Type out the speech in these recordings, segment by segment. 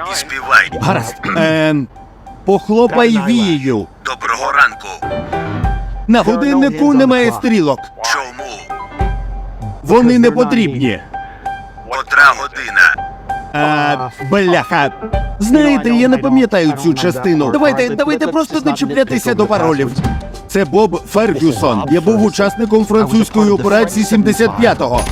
і співай. Гаразд. Похлопай вією. Доброго ранку. На годиннику немає стрілок. Чому? Вони не потрібні. Котра година? Бляха. Знаєте, я не пам'ятаю цю частину. Давайте просто не чіплятися до паролів. Це Боб Фергюсон. Я був учасником французької операції 75-го.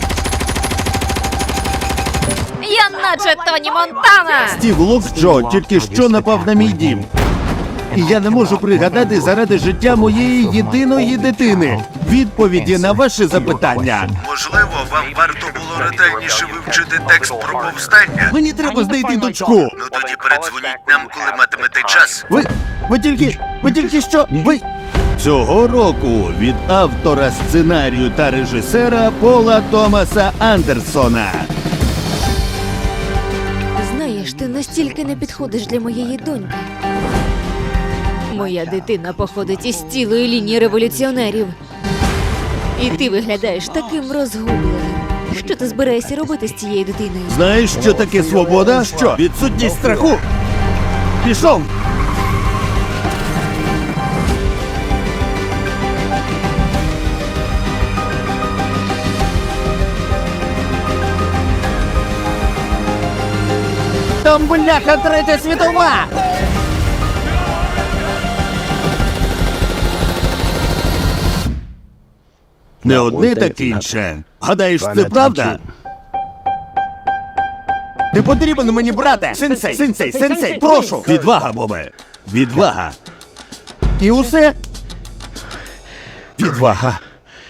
Я наче Тоні Монтана! Стів Локджо тільки що напав на мій дім. І я не можу пригадати заради життя моєї єдиної дитини відповіді на ваше запитання. Можливо, вам варто було ретельніше вивчити текст про повстання? Мені треба знайти дочку. Ну тоді передзвоніть нам, коли матимете час. Ви тільки що... Цього року від автора сценарію та режисера Пола Томаса Андерсона. Знаєш, ти настільки не підходиш для моєї доньки. Моя дитина походить із цілої лінії революціонерів. І ти виглядаєш таким розгубленим. Що ти збираєшся робити з цією дитиною? Знаєш, що таке свобода? Що? Відсутність страху. Пішов! Там, бляха, Третя світова! Не одне, так інше. Гадаєш, це правда? Ти потрібен мені, брате! Сенсей, прошу! Відвага, Бобе! Відвага! І усе? Відвага.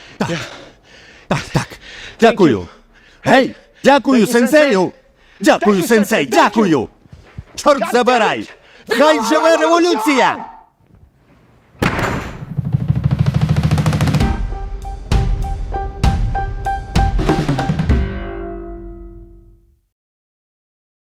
Так. Дякую. Гей! Дякую, сенсею! Дякую, сенсей! Дякую! Чорт забирай! Хай живе революція!